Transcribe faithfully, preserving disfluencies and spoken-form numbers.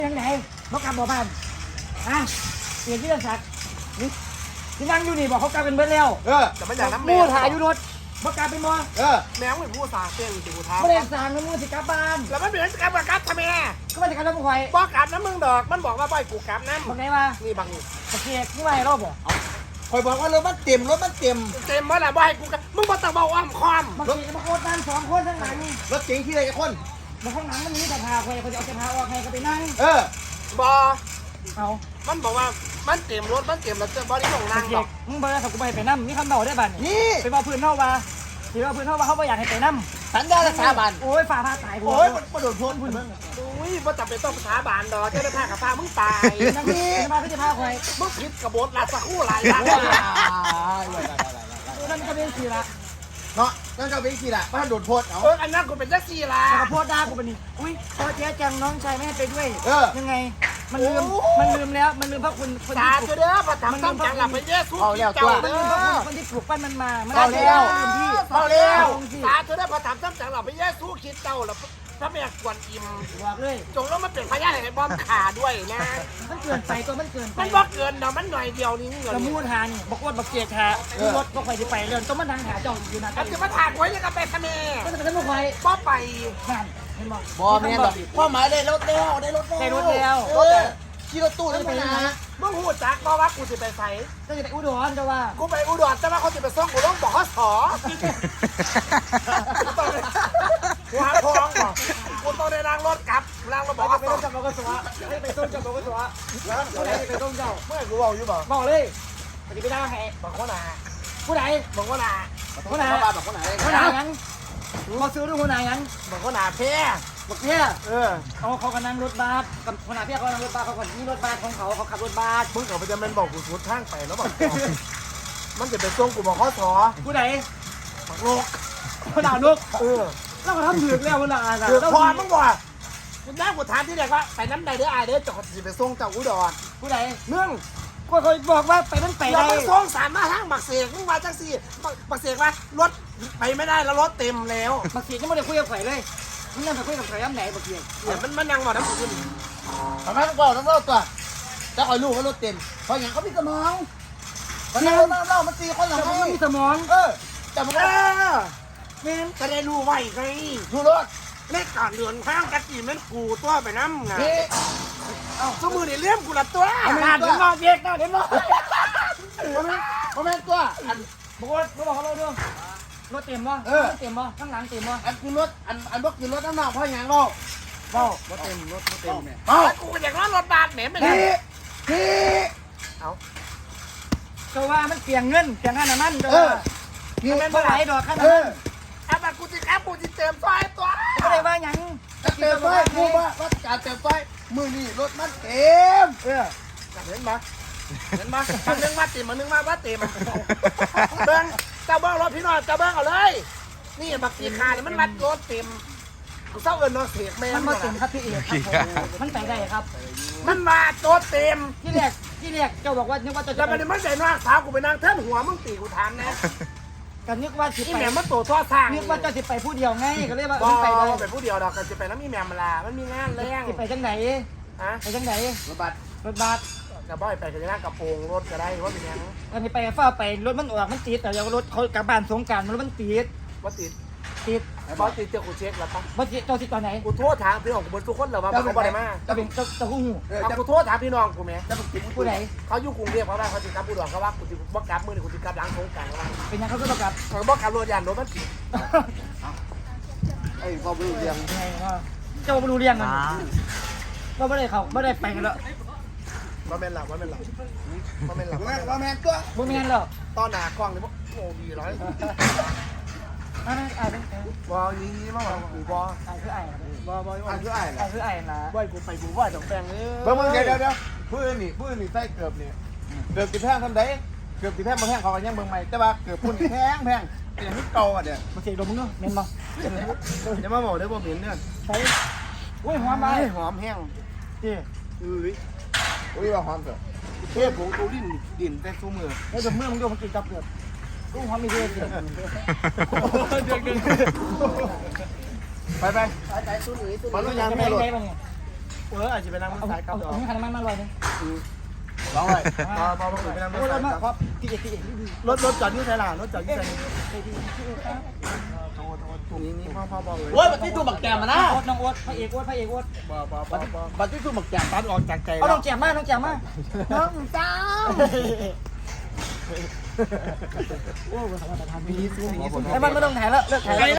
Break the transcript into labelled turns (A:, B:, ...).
A: ยังไงเขากลับบ่บ้านฮะเปลี่ยนที่เรื่องสักนี่ที่นั่งอยู่นี่บอกเขากลับเป็นเบิร์ดแล้ว
B: เออแต่ไม่อยากน้ำแม
A: มู
B: ว
A: ถ่ายอยู่รถบอกกลับเป็นบ่
B: เออ
C: แมวไม่พูดสาเต้นสิกูท้า
A: ไม่ได้สั่งนะมูสิกลับบ้าน
C: แล้วมันเป็นกลับกับกลับทำไม
A: ก็มาจากการรับผู้คอย
C: บอกกลับน้ำมึงดอกมันบอกว่าบ่อยกูกลับน้ำ
A: บอกไงว่า
C: นี่บาง
A: ตะเกียกที่ว่าให้รอบบ่
B: คอยบอกว่ารถมันเต็มรถมันเต็ม
C: เต็มว่าแหละบ่อยกูกลับมึงบอกต้องบอกอ้อมคอม
A: บางทีจะมาโคตรนั่งสองคนทั้งหลัง
B: รถเก๋งที่ไหนกันคน
A: บางข้างหลังมันมีแต่พาคอยเขาจะเอาแต่พาออกให้ก็ไปนั่ง
B: เออบ
C: อ
A: เอา
C: มันบอกว่ามันเต็มรถมันเต็มแล้วจะบอดี้ของ
A: ตะ
C: นาง
A: เกี
C: บ
A: ย
C: อก
A: กมึงเบอร์สักกูไปไปนั่มีคำเดาได้บ้าน
B: นี่
A: ไปบอกพื้นเท่าว่าถือว่าพื้นเท่าว่าเขาไม่อยากให้ไปนั่
B: สัญญาและสาบาน
A: โอ้ยฝ่าพาตาย
B: โอ้ยมันมาโดนพ้น
C: อุ้ยว่าจะเป็นต้องภาษาบานดอกเจ้าหน้าที่กับพามึงตาย
A: นั่งนี่มาพี่จะพาคอย
C: มึงผิดกบฏลาสักคู่หลายอย่าง
A: นั่นก็เป็นสีละ
B: เนาะนั่นก็เป็นกี่ละมันโดนพ้นเอา
C: เอออันนั้นกูเป็นแท็กซี่ละ
A: แล้วก็โพดด่ากูเป็นนี่อุ้ยพอเจ๊จังน้องชายไม่ให้ไปด้วย
B: เออ
A: ยังไง มันลืม มันลืมแล้ว มันลืมเพราะคุณคน
C: ตา
A: ที่ปลู
C: เจ้าก เด้อพอทำต้องจังหลับไปเยซูกินเจ้า
A: มัน
C: เด้
A: ลืมเพราะ
C: อ
A: คุณคนที่ปลูกปั้นมันมา มัน
C: เอาแล้ว
A: ลืมที่
C: เอาแล้ว
A: ที่
C: ตาเจ้าเด้อพอทำต้องจังหลับไปเยซูคิดเจ้าแล้วพระแม่กวนอิม
A: บอกเลย
C: จงแล้วมันเป็นพยานให้บอมขาด้วยนะ
A: มันเกินไปตัวมันเกินไป
C: มันบอกเกินเนาะมันหน่อยเดียวนี่เงิน
A: กระมูดหานี่บอกว่าบักเกียกหามีรถบอกไปที่ไปเรื่องต้องมาทางหาเจ้าอยู่นะ
C: มันจะมาถากไว้ยังกับไปทะเม
A: ก็จะเป็นพวกใคร
C: บ่ไป
A: นั่นเห็นบอก
B: บอแม่ดอกพ่อหมายได้รถแล้วได้รถแล้ว
A: ได้รถแล้ว
B: เออขี่รถตู้นี่ไปนะ
C: มึงหูจักบ่ว่ากูจะไปใส่
A: ก็จะไปอุดรจะว่า
C: กูไปอุดรแต่ว่าเขาจะไปส่งกูต้องบอกเขาสอกูหาทองก่อนกูต้องได้ล้างรถกลับล้างรถบอก
A: ไป
C: เขาส
A: ต้
C: อน
A: จับบอกกระสวะให้ไปต้นจับบอกกระสวะแล้วผู้ใดไปต้นเจ้า
C: เมื่อกูบอกอยู่บ่
A: บอกเลยปฏิบัติได้ไง
C: บอกว่านา
A: ผู้ใด
C: บอกว่านา
A: ผู้ใด
B: บ้านบอกคนไหน
A: ผู้ใดยังมาซื้อด้วยผู้ใดยัง
C: บอกว่านาเพ่
A: บอกเนี่ย
C: เออ
A: เขาเขากำลังรถบัสกับคนหาเพี่เขากำลังรถบัสเขาก่อนนี่รถบัสของเขาเขาขับรถบัส
C: มึงกับมันจะเป็นบอกกูสุดทางไปแล้วบอกมันจะไปส่งกูบอกเขาสอ
A: ผู้ใด
C: บอกโลก
A: ผู้ด่าลูก
C: เออ
A: แล้วก็ทำถึกแล้วผู้ด่า
C: คือพอมึงบอกคุณแม่กูถามที่เด็กว่าไปน้ำใดเด้อไอเด้อจอดสิไปส่งเจ้าอุดร
A: ผู้ใด
C: เนื่อง
A: ก็เคยบอกว่าไปมันไป
C: เรา
A: ได้
C: ไปส่งสารมาทางบักเสกมึงมาจังสี่บักเสกว่ารถไปไม่ได้แล้วรถเต็มแล้ว
A: บางทีก็ไม่ได้คุยกับใครเลยมึงนั่งไปคุยกับใครย้ำไหนบางที
C: เนี่ยมันมันนั่งหมดน้ำขึ้น
B: ทำไมต้องบอกต้องเล่าตัวจะคอยลูกว่ารถเต็มเพราะอย่างเขามีสมองมันเล่าเล่าเล่ามันตีคนหลัง
A: แต่
B: ให้
A: มันมีสมอง
B: เออแต่มัน
C: เอ
B: ก็
C: อ
A: เมน
C: จะได้รู้ไว้ไง
B: ดูรถ
C: เลขก่อนเดือนข้างกะจีมันกูตัวไปน้ำไง
B: นี่
C: สมือนี่เลี้ยมกูละตัว
A: งานเดี๋ยวมาเบียกนะเดี๋ยวมา
B: เพราะแม่ตัวอัน
A: บอกว่าเขาบอกเขาเราด้วยรถเต็มป่ะเต็มป่ะข้างหลังเต็มป่ะ
B: อันคือรถอันอันบอกคือรถน้ำหนักเพราะอย่างเราเบ้าร
C: ถเต็มรถเต็มเนี่ย
B: เบ้า
C: กูอยากรถรถบาทเหม็นไปเล
B: นี่
C: ย
B: นี่
C: เอา
A: ก็ว่ามันเปียงเงินเปียงค่าน้ำมันก็
B: เอ
A: ว่า
B: อนี่
A: เท่าไหร่ดอกค่า
B: เอ
A: น้ำมั
B: อน
C: เอาบัตรกูจะแคบกูจะเติมซอยตัว
A: ก็เลยว่ายัง
B: จะเต็มไฟกูว่าว่าการเต็มไฟมือนี่รถมันเต็ม
A: เออ
C: เห็นปะเห็นปะมันนึงมาเต็มมันนึงมาว่าเต็มเบิ้งเจ้าเบิ้งรถพี่น้อยเจ้าเบิ้งเอาเลย นี่บักตีคาเนี่ยมันมัดรถเต็มกูเศร้าเอิญน้องเสียแม่
A: มันมาเต็มครับพี่เอกครับมันไปได้ครับ
C: มันมารถเต็ม
A: ที่แรกที่แรกเจ้าบอกว่านึกว่าจะ
C: แล้วมันมันใจนอกสาวกูไปนั่งเทินหัวมึงตีกูทานนะ
A: กันนึกว่าสิ
C: อี
A: ไป
C: แม่มันโตท่อสร้าง
A: นึกว่าเจ้าสิไปผู้เดียวไงก็เลยว่า
C: บอ
A: ไปได้
C: ไปผู้เดียวดอกกันจะไปน้ำมีแม่มาลามันมีงานแรง
A: สิไปจังไหน
C: ฮะ
A: ไปจังไหน
B: รถบัส
A: รถบัส
C: กระบ่อยไปกันจะนั่งกระโปรงรถก็ได้ว่าเป็นยัง
A: อันนี้ไปฟ้าไปรถมันออกมันติดแต่ยังรถเขากลับบ้านสงการมันมันติด
C: ว่าติด
A: ติด
C: บอสติดเจ้ากูเช็คแล้วปะ
A: บ่ติดเจ้าติดตอนไหน
C: กูโทษถามพี่น้องกูบนทุกคนเหรอว่าเขาบ่ได้มา
A: จะเป็นเจ้าเจ้าหู
B: เออ
C: เอา
B: จะ
C: กูโทษถามพี่น้องกูไหม
B: จะไปกิน
A: ผู้ใด
C: เขาอยู่กรุงเทพเขาได้เขาติดกับผู้ดอนเขาว่ากูติดบ่กลับมือนี่กูติดกับหลังสงการเขาว่า
A: เป็นยังเขาก็ประกาศ
C: เขาบ่กลับรถยานรถมันติด
B: ไอ้พ่อไม่รู้เรื่อง
A: เจ้าไม่รู้เรื่องมันก็ไม่ได้เขาไม่ได้ไปกันแล้ว
C: ว่าแม่นหลับว่าแม่นหลับว่าแม่นหลับ
B: แม่ว่าแม่ตัว
A: บ่มีงานหรอก
C: ตอนหนากล้องนี่บ่โอ้ดีร้อย
A: อ่าอ่าเป็น
C: บอยีมาว่ากูบอ
A: อ่าคือไอ้
C: บอบอ
B: อันคือไอ้
A: อ่าคือไอ้นะ
C: ว่ากูไปกูว่าดอกแปงเลย
B: เบิ่งมึงเดี๋ยวเดี๋ยวเดี๋ยวผู้อื่นนี่ผู้อื่นนี่ใส่เกือบนี่เกือบติดแพงทำได้เกือบติดแพงมาแพงเขาก็ยังเบิ่งใหม่แต่ว่าเกือบพุ่นแพงแพงแต่ยังไม่เก่าอ่ะเดี๋ยว
A: มาเสียดมมึงเนาะเมนบ่
C: อย่ามาบอกได้บ่เหม็นเนี่ย
A: ใส่อุ้ยหอมไป
C: หอมแห้ง
A: นี่
C: อุ้ย
B: อุ้ยว่าหอมเถอะ
C: เทพผงตูลิ้นดินแต่ซูมือ
A: แล้วดมเมื่อมึงดูมันกินกับเปลือกกูหอมมีเรื่องเสีย
C: เดือดเดือด
B: ไปไป
C: สายสายตู้หนุ่ยตู้
B: มัน
C: ห
B: ต้
C: นุ่
B: อย งยางแม่รถ
A: ได้ป่ะเนี่ย
C: เอออาจจะไปนั่งรถ
A: เอา
C: สายกลั
A: เอา
C: บดอ
A: เอา
C: ก
A: ให้คันน้ำมันมาลอยนึง
B: ร้องเลย
C: พอพอไปนั่งร
A: โอ้
C: ถ
A: ยร
C: สา
A: ถ
C: ย
A: มาก
C: ลับ
A: ครับพี่เอกพี่เอก
C: รถรถจอดอยู่ไหนล่ะรถจอดอยู่ไหน
B: โทษโทษโทษ
C: นี่นี่พ่อพ่อบอกเลย
B: โอ้ยบัตรที่ถูกบักแกมมานะ
A: โอ๊ตน้องโอ๊ตพระเอกโอ๊ตพระเอกโอ๊ต
C: บ่บ่บ่บ่
B: บัตรที่ถูกบักแกม
C: ตัดออกจากใจ
A: เอา
C: แล้
A: น้
C: ว
A: องแจ่มมาน้องแจ่มมาน้องจ้าโอ้ยสวัสดีครับ
C: มีซื้อมีซื้อ
A: ไอ้มันไม่ต้องถ่ายแล้วเลิกถ่ายแล้ว